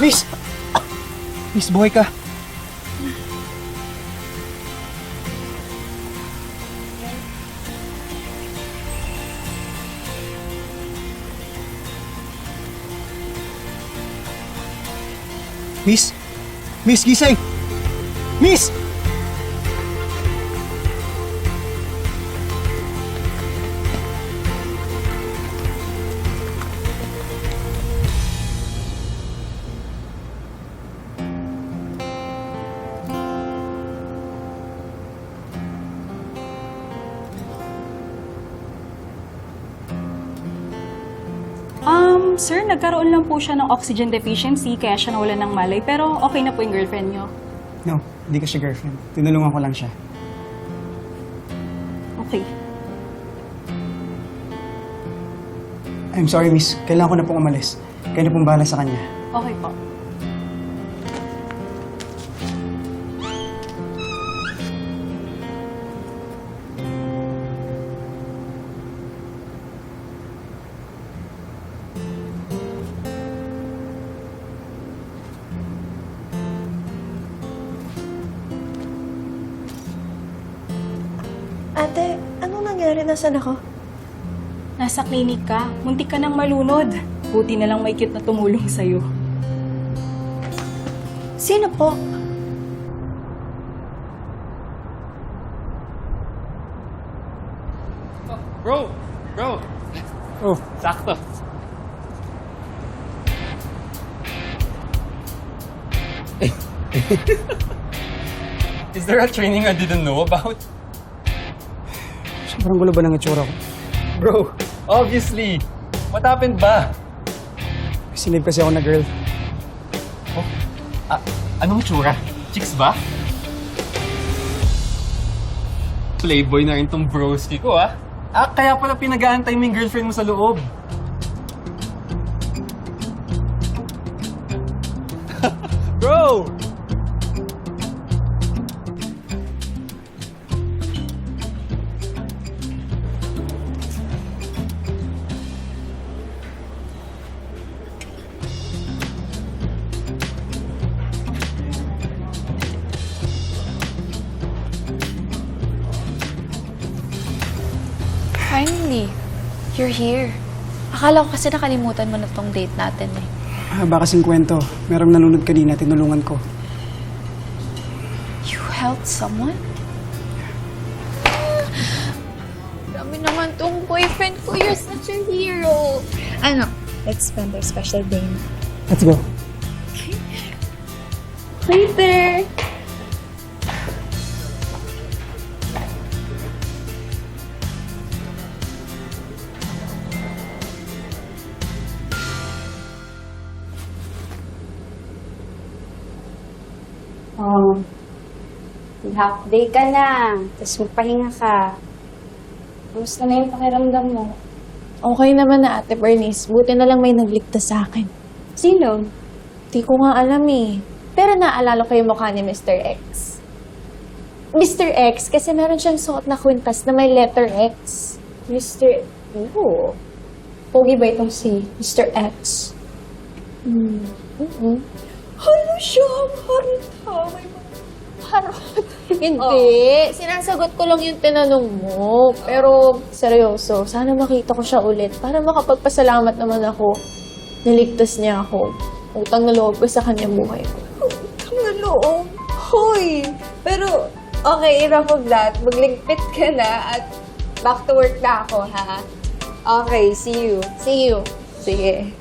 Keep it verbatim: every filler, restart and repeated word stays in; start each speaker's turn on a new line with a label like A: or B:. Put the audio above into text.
A: Miss! Miss, buhay ka. Miss! Miss, gising! Miss!
B: Um, sir, nagkaroon lang po siya ng oxygen deficiency kaya siya nawalan ng malay pero okay na po yung girlfriend niyo.
A: No, hindi ko siya girlfriend. Tinulungan ko lang siya.
B: Okay.
A: I'm sorry, miss. Kailangan ko na pong umalis. Kaya na pong bahala sa kanya.
B: Okay po.
C: Ate, anong nangyari? Nasaan ako?
B: Nasa klinik ka. Muntik ka nang malunod. Buti na lang may cute na tumulong sa'yo.
C: Sino po?
D: Bro! Bro!
A: Oh,
D: Sakto. Is there a training I didn't know about?
A: sobrang gulo ba ng itsura ko?
D: Bro, obviously. What happened ba?
A: Sinave kasi ako na girl.
D: Oh, ah, anong itsura? Chicks ba? Playboy na rin tong broski ko, ah. Ah, kaya pala pinag-aantay mo yung girlfriend mo sa loob. Bro!
C: Finally, you're here. Akala ko kasi nakalimutan mo na tong date natin eh.
A: Haba kasing kwento. Merong nalunod kanina, tinulungan ko.
C: You helped someone? Dami naman tong boyfriend ko. You're such a hero. Ano, let's spend our special day na.
A: Let's go.
C: Later!
E: Oh, half day ka na. Tapos magpahinga ka. Kamusta na yung pakiramdam mo?
C: Okay naman na, Ate Bernice. Buti na lang may nagligtas sa akin.
E: Sino?
C: Di ko nga alam eh. Pero naalala ko yung mukha ni Mister X. Mister X, kasi meron siyang suot na kwintas na may letter X.
E: Mister Oo. Pogi ba itong si Mister X?
C: Hmm. Mm-hmm.
E: Ano siya? Harita. May
C: Harot. Hindi. Sinasagot ko lang yung tinanong mo. Pero, seryoso, sana makita ko siya ulit para makapagpasalamat naman ako. Naligtas niya ako. Utang na loob ko sa kanyang buhay ko.
E: Utang na loob. Hoy! Pero, okay, enough of that. Magligpit ka na at back to work na ako, ha? Okay, see you.
C: See you.
E: Sige.